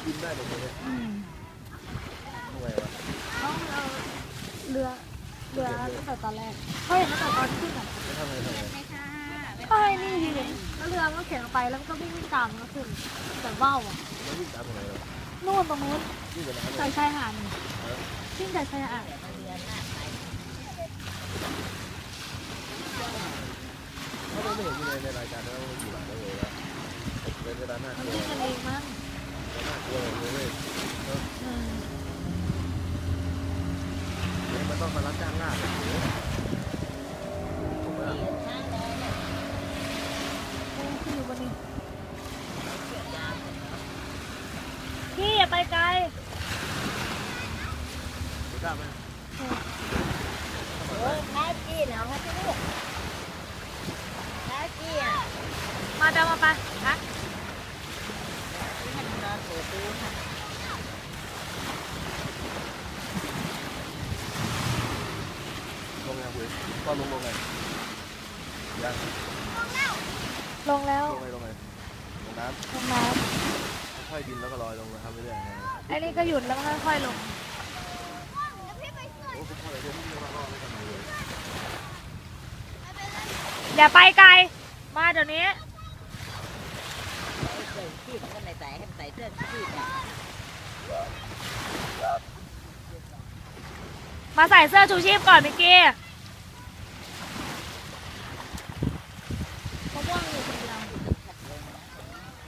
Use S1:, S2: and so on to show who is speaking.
S1: บินได้เลยเนี่ยทำไมวะ
S2: ต้องเอาเรือตั้งแต่ตอนแรกเขาเห็นตั้งแต่ตอนขึ้นอ่ะ
S1: ไม่ทำไม
S2: ก็ให้นี่ดีเลยแล้วเรือมันก็เข็นออกไปแล้วมันก็วิ่งตามมันก็ขึ้นแต่ว่าวอ่ะ
S1: แล้ววิ่งตามตรงไหนเรา
S2: นู่นตรงนู้น
S1: วิ่งไปไหน
S2: ใส่ชายหาดวิ่งใส่ชายหาด
S1: เขาไม่เห็นอยู่ในรายการแล้วอยู่หลังแล้วเลยว่าเป็นเวลาหน้า
S2: มัน
S1: ตัว
S2: วิ่งกันเองมั้ง
S1: หน้าตัวเลยเว้ยมันต้องมารับจ้างล่าเลยผมว่า
S2: ขึ้นอยู่บนนี้พี่อย่าไปไกล
S1: ไม่กล้าไหม
S3: ท้ากี้เนาะท้ากี้ลูกท้ากี้อ่ะ
S2: มาเดินมาไปฮะ
S3: ให้มันนอนเปิดดูค่ะ
S1: ลงยังคุยก็ลงไงยัง
S2: ลงแล้ว
S1: ลงไงลงน้
S2: ำ
S1: ค่อยบินแล้วก็ลอยลงมาทำไปเรื่อย
S2: ไอ้นี่ก็หยุดแล้วค่อยๆลงอย่าไปไกลมาเดี๋ยวนี้
S3: เสื้อชีพก็ใส่ให้ใส่เสื้อชีพ
S2: มาใส่เสื้อชูชีพก่อนเมื่อกี้